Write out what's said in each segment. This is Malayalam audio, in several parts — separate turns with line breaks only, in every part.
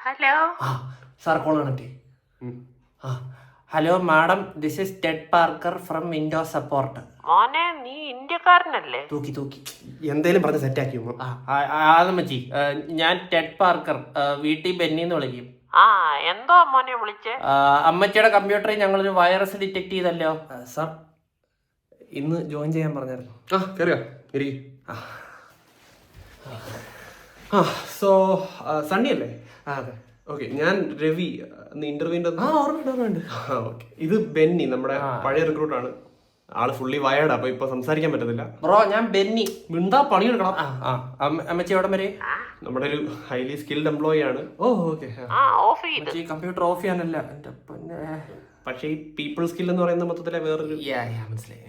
Hello
sir call connect. Hello madam, this is Ted Parker from window support.
മോനെ, നീ ഇന്ത്യക്കാരനല്ലേ?
തൂക്കി എന്തേലും പറഞ്ഞ് സെറ്റാക്കി മച്ചി. ഞാൻ ടെഡ് പാർക്കർ, വീട്ടിൽ ബെന്നിന്ന് വിളിക്കും.
എന്തോ മോനെ വിളിച്ചേ?
അമ്മച്ചിയുടെ കമ്പ്യൂട്ടറിൽ ഞങ്ങളൊരു വൈറസ് ഡിറ്റക്ട് ചെയ്തല്ലോ. സാർ ഇന്ന് ജോയിൻ ചെയ്യാൻ പറഞ്ഞായിരുന്നു.
സോ സണ്ണി അല്ലേ?
അതെ.
ഓക്കെ, ഞാൻ രവി. ഇന്റർവ്യൂവിന്റെ
ഓർമ്മയുണ്ട്.
ഓക്കെ, ഇത് ബെന്നി, നമ്മുടെ പഴയ റിക്രൂട്ടാണ്. ആള് ഫുള്ളി വയേർഡ്, അപ്പൊ ഇപ്പൊ സംസാരിക്കാൻ പറ്റത്തില്ല.
ബ്രോ, ഞാൻ ബെന്നി. മിണ്ടാ പണിയെടുക്കണം. അമ്മച്ചി എവിടെ വരെ?
നമ്മുടെ ഒരു ഹൈലി സ്കിൽഡ് എംപ്ലോയി ആണ്.
ഓക്കെ. കമ്പ്യൂട്ടർ ഓഫ് ചെയ്യാനല്ല,
പക്ഷേ ഈ പീപ്പിൾ സ്കിൽ എന്ന് പറയുന്ന മൊത്തത്തിലെ വേറൊരു
മനസ്സിലായി.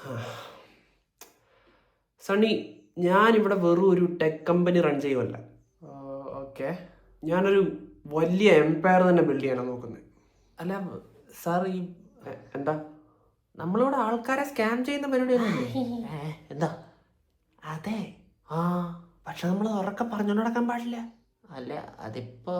സണ്ണി, ഞാനിവിടെ വെറും ഒരു ടെക് കമ്പനി റൺ ചെയ്യുമല്ല.
ഓക്കെ.
ഞാനൊരു വലിയ എംപയർ തന്നെ ബിൽഡ് ചെയ്യാനാണ് നോക്കുന്നത്.
അല്ല സാർ, ഈ
എന്താ
നമ്മളിവിടെ ആൾക്കാരെ സ്കാം ചെയ്യുന്ന പരിപാടിയൊന്നും എന്താ? അതെ. പക്ഷെ നമ്മൾ ഉറക്കെ പറഞ്ഞോണ്ട് നടക്കാൻ പാടില്ല. അല്ല, അതിപ്പോ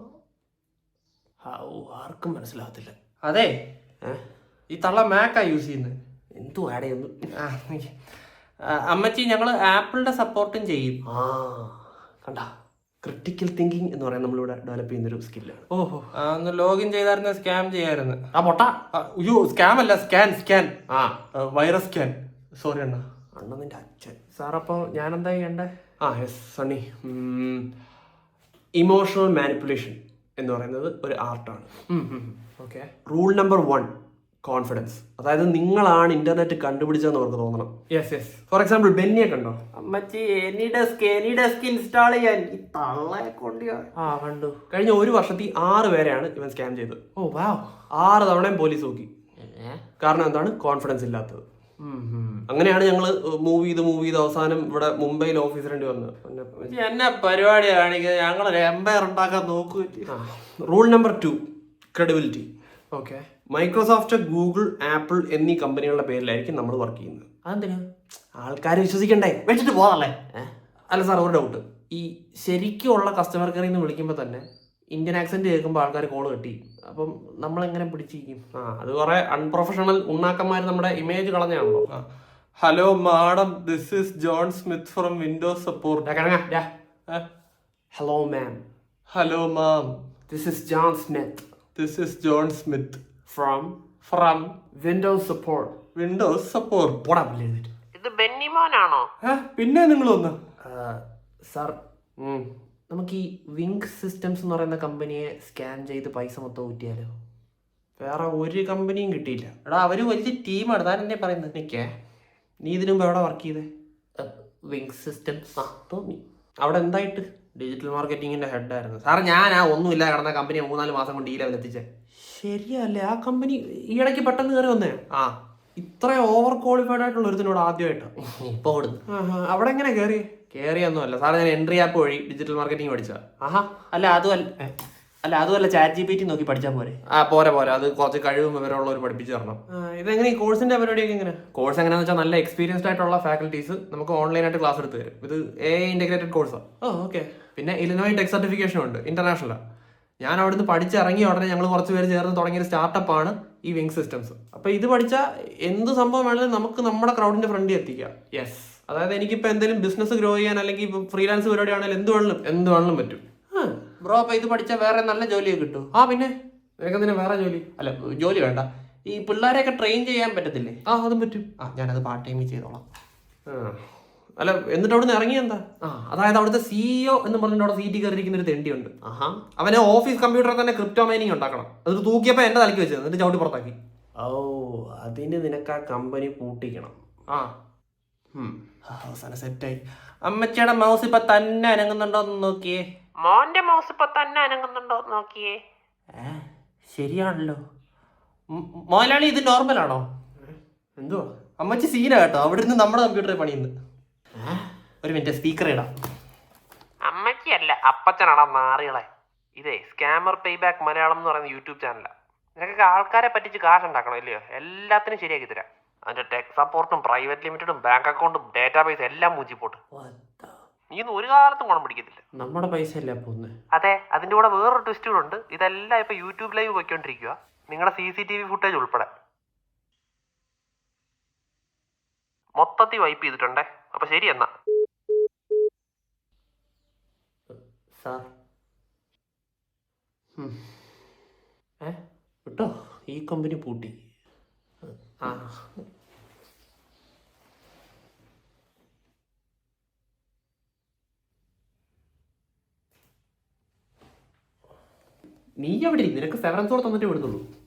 ആർക്കും മനസ്സിലാവത്തില്ല. അതെ, ഈ തള്ള മാക്കാ യൂസ് ചെയ്യുന്നത്.
എന്തു ആടെയൊന്നും.
അമ്മച്ചി, ഞങ്ങൾ ആപ്പിളിന്റെ സപ്പോർട്ടും ചെയ്യും.
കണ്ട, ക്രിട്ടിക്കൽ തിങ്കിങ് എന്ന് പറയാൻ നമ്മളിവിടെ ഡെവലപ്പ് ചെയ്യുന്നൊരു സ്കില്ലാണ്.
ഒന്ന് ലോഗിൻ ചെയ്തായിരുന്നു, സ്കാം ചെയ്യായിരുന്നു. അയ്യോ, സ്കാം അല്ല, സ്കാൻ. Virus scan. സോറി അണ്ണ.
അണ്ണന്റെ അച്ഛൻ.
സാർ, അപ്പോൾ ഞാൻ എന്താ ചെയ്യണ്ടേ?
യെസ് സണ്ണി, ഇമോഷണൽ മാനിപ്പുലേഷൻ എന്ന് പറയുന്നത് ഒരു ആർട്ടാണ്.
ഓക്കെ.
Rule number 1, confidence. അതായത് നിങ്ങളാണ് ഇന്റർനെറ്റ് കണ്ടുപിടിച്ചതെന്ന് അവർക്ക് തോന്നണം.
യെസ്.
ഫോർ എക്സാമ്പിൾ, ബെന്നിയെ കണ്ടോ?
അമ്മച്ചി, എനി ഡെസ്ക് ഇൻസ്റ്റാൾ ചെയ്യാൻ ഈ തള്ളയെ കൊണ്ടിയോ? കണ്ടു.
കഴിഞ്ഞ ഒരു വർഷത്തിൽ 6 പേരെയാണ് ഇവൻ സ്കാം ചെയ്തത്. 6 തവണയും പോലീസ് നോക്കി. കാരണം എന്താണ്? കോൺഫിഡൻസ് ഇല്ലാത്തത്. അങ്ങനെയാണ് ഞങ്ങൾ മൂവ് ചെയ്ത് അവസാനം ഇവിടെ മുംബൈയിൽ ഓഫീസിലേണ്ടി വന്നത്.
എന്നെ പരിപാടി കാണിക്കുന്നത്, ഞങ്ങളൊരു എംപയർ ഉണ്ടാക്കാൻ നോക്കൂ.
Rule number 2, credibility.
Okay.
Microsoft, Google, Apple എന്നീ കമ്പനികളുടെ പേരിലായിരിക്കും നമ്മൾ വർക്ക് ചെയ്യുന്നത്.
അതെന്തിനാ?
ആൾക്കാരെ വിശ്വസിക്കണ്ടേ?
വെച്ചിട്ട് പോകാനല്ലേ?
അല്ല സാർ, ഒരു ഡൗട്ട്.
ഈ ശരിക്കുള്ള കസ്റ്റമർ കെയറിൽ നിന്ന് വിളിക്കുമ്പോൾ തന്നെ ഇന്ത്യൻ ആക്സെന്റ് കേൾക്കുമ്പോൾ ആൾക്കാർ കോൾ കിട്ടി. അപ്പം നമ്മളെങ്ങനെ പിടിച്ചിരിക്കും?
അത് കുറെ അൺപ്രൊഫഷണൽ ഉണ്ണാക്കന്മാർ നമ്മുടെ ഇമേജ് കളഞ്ഞാണല്ലോ.
Hello madam, this is John Smith from Windows support.
Hello ma'am.
Hello ma'am,
this is John Smith.
This is John Smith
from Windows support.
Windows support.
പോടാ എഴുതിട്ട്.
ഇത് ബെന്നി മോനാണോ?
പിന്നെ നിങ്ങൾ വന്ന്
സാർ,
നമുക്ക് ഈ വിങ് സിസ്റ്റംസ് എന്ന് പറയുന്ന കമ്പനിയെ സ്കാൻ ചെയ്ത് പൈസ മൊത്തം ഊറ്റിയാലോ?
വേറെ ഒരു കമ്പനിയും കിട്ടിയില്ല.
എടാ, അവര് വലിയ ടീമാണ്. താൻ എന്നെ പറയുന്നത്.
നീ ഇതിനു മുമ്പ് എവിടെ വർക്ക് ചെയ്തേ?
Wing systems.
തോന്നി. അവിടെ എന്തായിട്ട്?
ഡിജിറ്റൽ മാർക്കറ്റിംഗിന്റെ ഹെഡായിരുന്നു. സാർ, ഞാൻ ഒന്നുമില്ല കിടന്ന കമ്പനി 3-4 മാസം കൊണ്ട് ഈ ലെവൽ എത്തിച്ചേ.
ശരിയല്ലേ? ആ കമ്പനി ഈ ഇടയ്ക്ക് പെട്ടെന്ന് കയറി വന്നേ. ഇത്ര ഓവർ ക്വാളിഫൈഡ് ആയിട്ടുള്ള ഒരുത്തിനോട് ആദ്യമായിട്ടാണ്
ഇപ്പൊ കൊടുത്തു.
അവിടെ എങ്ങനെ
കയറിയൊന്നുമല്ല സാർ, ഞാൻ എൻട്രി ആപ്പ് വഴി ഡിജിറ്റൽ മാർക്കറ്റിംഗ് പഠിച്ച. അതുമല്ല ചാറ്റ് GPT നോക്കി പഠിച്ചാൽ പോരെ?
പോരെ. അത് കുറച്ച് കഴിവും വിവരമുള്ളവർ പഠിപ്പിച്ചു തരണം.
ഇതെങ്ങനെ ഈ കോഴ്സിന്റെ പരിപാടിയൊക്കെ എങ്ങനെ?
കോഴ്സ് എങ്ങനെയാണെന്ന് വെച്ചാൽ നല്ല എക്സ്പീരിയൻസ്ഡ് ആയിട്ടുള്ള ഫാക്കൽറ്റീസ് നമുക്ക് ഓൺലൈനായിട്ട് ക്ലാസ് എടുത്ത് തരും. ഇത് AI ഇന്റഗ്രേറ്റഡ് കോഴ്സാണ്.
ഓക്കെ.
പിന്നെ ഇലിനോയ് ടെക് സർട്ടിഫിക്കേഷൻ ഉണ്ട്, ഇന്റർനാഷണലാണ്. ഞാൻ അവിടുന്ന് പഠിച്ചിറങ്ങിയ ഉടനെ ഞങ്ങൾ കുറച്ച് പേര് ചേർന്ന് തുടങ്ങിയ സ്റ്റാർട്ടപ്പാണ് ഈ വിങ് സിസ്റ്റംസ്. അപ്പോൾ ഇത് പഠിച്ചാൽ എന്ത് സംഭവം വേണമെങ്കിലും നമുക്ക് നമ്മുടെ ക്രൗഡിന്റെ ഫ്രണ്ടിൽ എത്തിക്കാം.
യെസ്.
അതായത് എനിക്കിപ്പോൾ എന്തെങ്കിലും ബിസിനസ് ഗ്രോ ചെയ്യാൻ അല്ലെങ്കിൽ ഇപ്പോൾ ഫ്രീലാൻസ് പരിപാടി ആണെങ്കിലും എന്ത് വേണമെങ്കിലും പറ്റും.
ബ്രോ, അപ്പോൾ ഇത് പഠിച്ചാൽ വേറെ നല്ല ജോലിയൊക്കെ കിട്ടും?
പിന്നെ നിനക്കെന്തിനാ വേറെ ജോലി?
അല്ല, ജോലി വേണ്ട. ഈ പിള്ളേരെയൊക്കെ ട്രെയിൻ ചെയ്യാൻ പറ്റത്തില്ലേ?
അതും പറ്റും.
ഞാനത് പാർട്ട് ടൈമിൽ ചെയ്തോളാം.
അല്ല, എന്നിട്ട് അവിടുന്ന് ഇറങ്ങി എന്താ? അതായത് അവിടുത്തെ CEO എന്ന് പറഞ്ഞിട്ട് അവിടെ സീറ്റ് കയറിയിരിക്കുന്ന ഒരു തെണ്ടിയുണ്ട്. അവനെ ഓഫീസ് കമ്പ്യൂട്ടറിൽ തന്നെ ക്രിപ്റ്റോ മൈനിങ് ഉണ്ടാക്കണം. അത് തൂക്കിയപ്പോൾ എന്റെ തലയ്ക്ക് വെച്ചത്, എന്നിട്ട് ചവിട്ടി പുറത്താക്കി.
അതിന് നിനക്ക് ആ കമ്പനി പൂട്ടിക്കണം.
അവസാനം സെറ്റായി.
അമ്മച്ചിയുടെ മൗസ് ഇപ്പൊ തന്നെ അനങ്ങുന്നുണ്ടോന്ന് നോക്കിയേ.
മോന്റെ മൗസ് ഇപ്പൊ തന്നെ അനങ്ങുന്നുണ്ടോ നോക്കിയേ.
ശരിയാണല്ലോ. മോലാളി, ഇത് നോർമലാണോ?
എന്തുവാ
അമ്മച്ചി സീന കേട്ടോ. അവിടെ നിന്ന് നമ്മുടെ കമ്പ്യൂട്ടറിൽ പണിയുന്നു. ഒരു മിനിറ്റ്, സ്പീക്കർ ഇടാം.
അമ്മയ്ക്കല്ല, അപ്പച്ചനാടാ നാറികളെ. ഇതേ സ്കാമർ പേബാക്ക് മലയാളം എന്ന് പറയുന്ന യൂട്യൂബ് ചാനലാണ്. നിനക്കൊക്കെ ആൾക്കാരെ പറ്റിച്ച് കാശ് ഉണ്ടാക്കണം ഇല്ലയോ? എല്ലാത്തിനും ശരിയാക്കി തരാം. അതിന്റെ ടെക് സപ്പോർട്ടും പ്രൈവറ്റ് ലിമിറ്റഡും ബാങ്ക് അക്കൗണ്ടും ഡേറ്റാബേസ് എല്ലാം മൂച്ചിപ്പോട്ട്. നീയൊന്നും ഒരു കാലത്തും ഗുണം പിടിക്കത്തില്ല.
നമ്മുടെ പൈസ അല്ലേ പോന്നെ.
അതെ, അതിന്റെ കൂടെ വേറൊരു ട്വിസ്റ്റ് കൂടെ ഉണ്ട്. ഇതെല്ലാം ഇപ്പൊ യൂട്യൂബ് ലൈവ് പോയിക്കൊണ്ടിരിക്കുക, നിങ്ങളുടെ CCTV ഫുട്ടേജ് ഉൾപ്പെടെ മൊത്തത്തിൽ വൈപ്പ് ചെയ്തിട്ടുണ്ടേ. അപ്പൊ ശരി എന്നാ.
സാർ വിട്ടോ, ഈ കമ്പനി പൂട്ടി. ആ നീ എവിടെ? നിനക്ക് സെവറൻസ് കൂടെ തന്നിട്ട് വിടുന്നുള്ളൂ.